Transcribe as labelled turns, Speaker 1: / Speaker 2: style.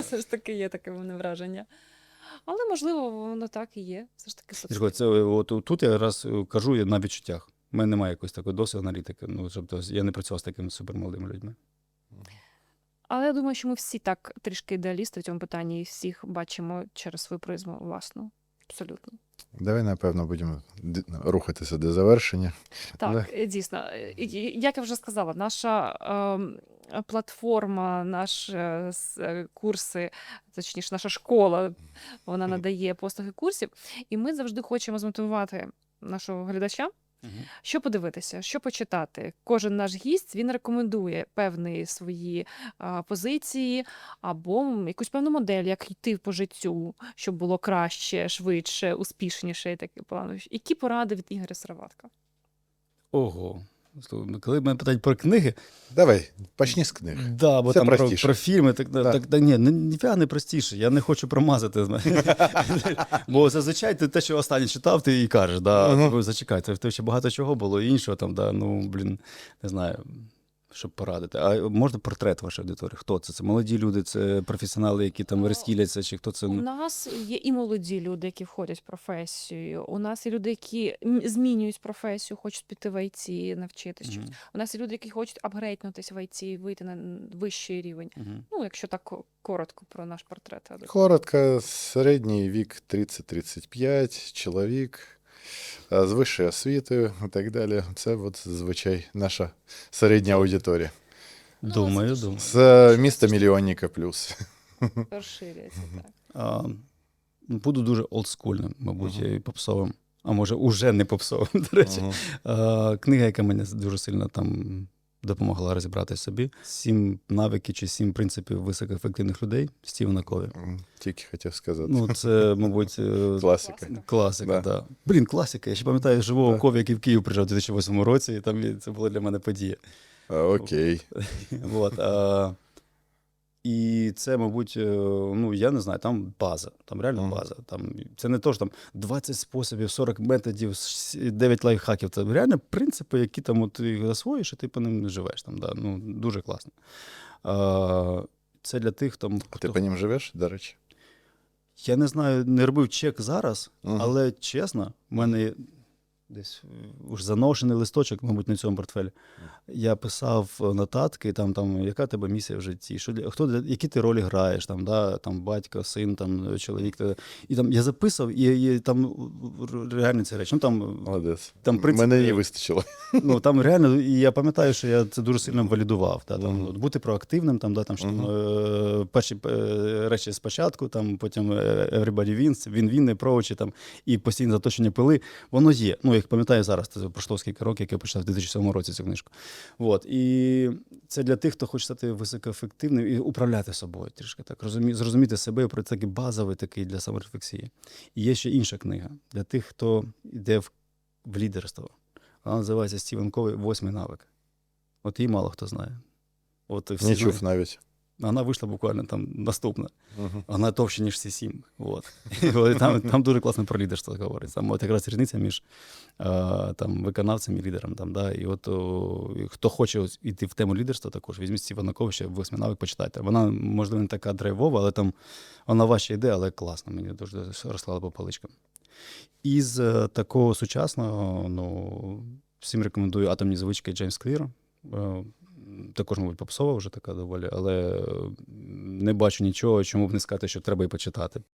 Speaker 1: Все ж таки є таке в мене враження. Але, можливо, воно так і є. Все ж таки
Speaker 2: Це, от, тут я раз кажу я на відчуттях. У мене немає якоїсь такої досвіду аналітики. Ну, тобто, я не працював з такими супермолодими людьми.
Speaker 1: Але я думаю, що ми всі так трішки ідеалісти в цьому питанні і всіх бачимо через свою призму власну. Абсолютно.
Speaker 3: Давай, напевно, будемо рухатися до завершення.
Speaker 1: Так, дійсно. Як я вже сказала, наша платформа, наші курси, точніше, наша школа, вона надає послуги курсів, і ми завжди хочемо змотивувати нашого глядача, що подивитися, що почитати. Кожен наш гість, він рекомендує певні свої позиції або якусь певну модель, як йти по життю, щоб було краще, швидше, успішніше і таке плану. Які поради від Ігоря Сироватка?
Speaker 2: Ого. Коли мене питають про книги,
Speaker 3: Давай, почни з книг.
Speaker 2: да, бо
Speaker 3: Це
Speaker 2: там
Speaker 3: простіше.
Speaker 2: про фільми, так ні, ніфіга не простіше. Я не хочу промазати. Бо зазвичай ти те, що останнє читав, ти і кажеш, да, зачекай, це ще багато чого було іншого, там, да, ну, блін, не знаю, щоб порадити. А можна портрет вашої аудиторії? Хто це? Це молоді люди, це професіонали, які там розкіляться, чи хто це?
Speaker 1: У нас є і молоді люди, які входять в професію. У нас є люди, які змінюють професію, хочуть піти в ІТ, навчитися щось. У нас є люди, які хочуть апгрейднутися в ІТ, вийти на вищий рівень. Ну, якщо так коротко про наш портрет.
Speaker 3: Коротко, середній вік 30-35, чоловік з вищою освітою і так далі. Це от, зазвичай наша середня аудиторія.
Speaker 2: Думаю.
Speaker 3: З міста мільйонника плюс.
Speaker 1: Розширюється, так.
Speaker 2: Буду дуже олдскульним, мабуть, і попсовим. А може, уже не попсовим, до речі. Книга, яка мені дуже сильно там допомогла розібратися собі. 7 навиків чи 7 принципів високоефективних людей Стівена Кові.
Speaker 3: Тільки хотів сказати.
Speaker 2: Ну, це, мабуть, класика, да. Блін, класика. Я ще пам'ятаю живого Кові, який в Київ приїжджав у 2008 році, і там це була для мене подія.
Speaker 3: Окей.
Speaker 2: І це, мабуть, ну, я не знаю, там база, там реально база. Там, це не то, що там 20 способів, 40 методів, 9 лайфхаків. Це реально принципи, які там ти їх засвоїш, і ти по ним живеш. Там, да. Ну, дуже класно. Це для тих, хто...
Speaker 3: А ти по ним живеш, до речі?
Speaker 2: Я не знаю, не робив чек зараз, але чесно, в мене десь уж заношений листочок, мабуть, на цьому портфелі. Я писав нотатки, там яка тебе місія в житті, які ти ролі граєш, там, да, там батько, син, там, чоловік. І там я записав, і там реально ці речі. Ну, там,
Speaker 3: молодець.
Speaker 2: Там, принцип,
Speaker 3: мене не вистачило.
Speaker 2: Ну, там реально, і я пам'ятаю, що я це дуже сильно валідував. Да, там, бути проактивним, там, да, там, що, перші речі спочатку, там, потім everybody wins, він approach, там, і постійне заточення пили. Воно є. Ну, як пам'ятаю зараз, це пройшло скільки років, як я почав в 2007 році цю книжку. От. І це для тих, хто хоче стати високоефективним і управляти собою трішки так, зрозуміти себе, про такий базовий такий для саморефлексії. І є ще інша книга для тих, хто йде в лідерство. Вона називається Стівен Кові «8 навик». От її мало хто знає. От, всі
Speaker 3: не чув навіть.
Speaker 2: Вона вийшла буквально там наступна. Вона товща, ніж всі 7. От. Там дуже класно про лідерство говорить. Там от якраз різниця між там, виконавцем і лідером. Там, да? І от хто хоче йти в тему лідерства, також візьміть Стівена Кові, ще «8 навик» почитайте. Вона, можливо, не така драйвова, але там вона важча йде, але класна. Мені дуже розклала по паличкам. Із такого сучасного, ну, всім рекомендую «Атомні звички» Джеймс Клір. Також, мабуть, попсова вже така доволі, але не бачу нічого, чому б не сказати, що треба і почитати.